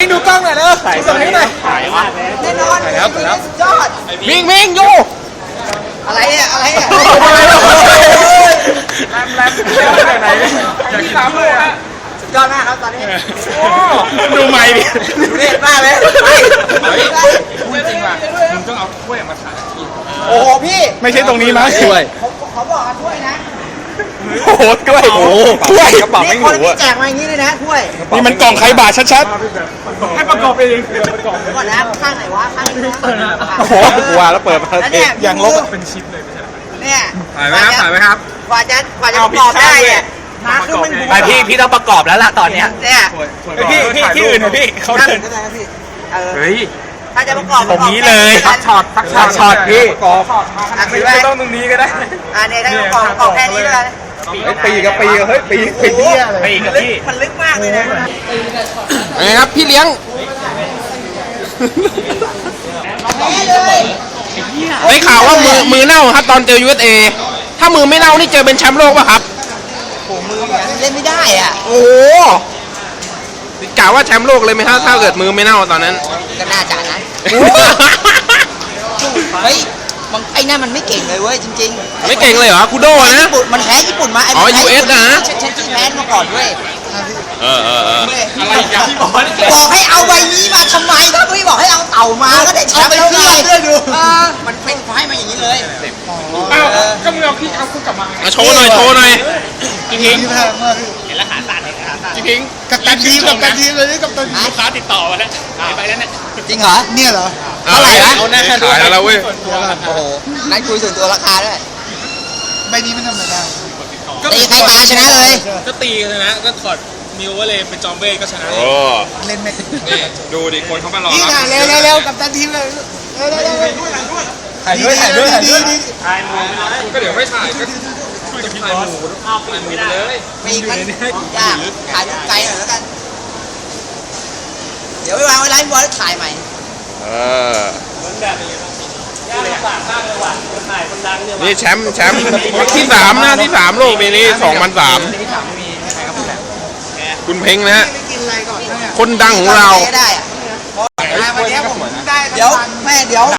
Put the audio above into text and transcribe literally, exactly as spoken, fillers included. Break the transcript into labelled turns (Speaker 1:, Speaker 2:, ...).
Speaker 1: ดูกล้องหน่อยเลยถ่ายส่งให้หน่อย
Speaker 2: ถ่ายมากเลยแน่นอน
Speaker 1: ถ่ายแล้วถ่ายแล้ว
Speaker 2: ยอด
Speaker 1: มิงมิงยู
Speaker 2: อะไรเนี่ยอะไรเนี่ย
Speaker 1: แรมแรมจากไหนอยากกินน้ำเลยฮะ
Speaker 2: ยอดมากครับตอนนี้
Speaker 1: ดูใหม่ดิ
Speaker 2: ดูเด็ดมากเลย
Speaker 1: พูดจริงว่ะมึงต้องเอาถ้วยมาถ่ายกิน
Speaker 2: โอ้โหพี่
Speaker 3: ไม่ใช่ตรงนี้มั้งถ้วย
Speaker 2: เขาเขาบอกกันถ้วยนะ
Speaker 3: โอ้โหถ้วยโอ้โหถ้วยกระเป๋า
Speaker 2: นี่
Speaker 3: ไม่
Speaker 2: คน
Speaker 3: หู
Speaker 2: ที่
Speaker 3: อ่ะ
Speaker 2: แจกมาอย่างนี้เลยนะถ้วย
Speaker 3: นี่มันกล่องใครบาทชัด
Speaker 1: ให้ประกอบเองประกอบ
Speaker 2: เดี๋ยวก่อนนะข้างไหนวะข้างนี้นะ
Speaker 3: ๆโอ้โหกว่าแล้วเปิดมา
Speaker 2: แล้วเนี่ย
Speaker 3: อย่างลบอะ
Speaker 1: เป็นชิ้นเลยไม่ใช่
Speaker 2: เนี่ย
Speaker 1: ถ่ายไหมครับถ่ายไหมครับ
Speaker 2: กว่าจะกว่าจะประกอบได้เนี่ยมาครึ่งหนึง
Speaker 4: ไปพี่พี่ต้องประกอบแล้วล่ะตอนเนี้ย
Speaker 2: เนี่ย
Speaker 3: พี่พี่ที่อื่นนะพี่เขา
Speaker 2: ถ้า
Speaker 3: เดิน
Speaker 2: เออ
Speaker 4: เฮ้ย
Speaker 2: ถ้าจะประกอบ
Speaker 4: ตรงนี้เลย
Speaker 2: สักช็อต
Speaker 4: สักช็อตช็อตพี่
Speaker 3: กรอบ
Speaker 1: ไม่ต้องตรงนี้ก็ได้
Speaker 2: อ่าเนี่ยถ้าจะประกอบประกอบแค่นี้เลย
Speaker 3: ปีกับปีกับเฮ้ยปีปีเที่ยเลย
Speaker 4: ไปอีกกับพี่
Speaker 2: มันลึกมากเลยนะ
Speaker 1: ไงครับพี่เลี้ยง
Speaker 2: แพ้เลย
Speaker 1: ได้ข่าวว่ามือมือเน่าครับตอนเจอ ยู เอส เอ ถ้ามือไม่เน่านี่เจอเป็นแชมป์โลกป่ะครับ
Speaker 2: โอ้มือเล่นไม่ได้อ่ะ
Speaker 1: โอ้โหกล่าวว่าแชมป์โลกเลยไหมครับถ้าเกิดมือไม่เน่าตอนนั้น
Speaker 2: ก็น่าจะนะเฮ้ยมันไอ้นั่นมันไม่เก่งเลยเว้ยจริงๆ
Speaker 1: ไม่เก่งเลยเหรอคูโดนะ
Speaker 2: ญี่ปุ่นมันแพ้ญี่ปุ่นมาไอ้
Speaker 1: อ๋อ
Speaker 2: มันแพ้
Speaker 1: ยู เอส นะ
Speaker 2: เช่นที่แพ้มาก่อนเว้ย
Speaker 1: เออเออเออ
Speaker 2: อะไรอย่างที่บอกบอกให้เอาใบนี้มาทำไมก็ไม่บอกให้เอาเต่ามาก็ได้แชมป์แล้วไงเออมันเป็นไฟมาอย่างนี้เลย
Speaker 1: อ้าวก็มึงเอาพี่เอาคู่กลับมาโชว์หน่อยโชว์หน่อยพี่พิง
Speaker 4: เห็นแล้วขาสั่นเห็นขาสั่น
Speaker 1: พี่พิง
Speaker 3: กับตันทีมกับตันทีมเลยนี่กับตัน
Speaker 4: ลูกค้าติดต่อมาแล้วไปแล้วเนี่ย
Speaker 2: จริงเหรอ
Speaker 3: เนี่ยเหรอ
Speaker 1: เท่าไหร่นะขายแล้วเว้ย
Speaker 2: โอ้โหนั่นคุยส่วนตัวราคาด้วย
Speaker 3: ใบนี้ไม่ธรรมดา
Speaker 2: ตีใครมาชนะเลย
Speaker 5: ก็ตีกันนะก็ถอดมิวเวอร์เลยเป็นจอมเบ้ก็ชนะ
Speaker 1: โอ้
Speaker 3: เล่นไม่
Speaker 5: นี่ดูดิคนเขามารอ
Speaker 3: นี่
Speaker 5: รับ
Speaker 3: ค่ะเร็วเร็วกับตันทีมเลยเร็วเร็วเร็วถ่ายด้วยถ่ายด้วยถ่ายด้วย
Speaker 5: ก็เดี๋ยวไม่ถ่ายก็ช่วยจะถ่ายหมูถ่ายหมูไปเลย
Speaker 2: มีมันยากถ่ายไกลหน่อยแล้วกัน เดี๋ยวไปวางไว้ร้านบอลแล้วถ่ายใหม่
Speaker 1: เออนี่แชมป์แชมป์ที่สามนะที่สามโลกปีนี้สองพันสามคุณเพ้งนะฮะ
Speaker 3: กินอะไรก่อนเนี่ย
Speaker 1: คนดังของเรา
Speaker 2: ได้อะ
Speaker 3: วันนี้ผมได้
Speaker 2: เดี๋ยวแม่เดี๋ยว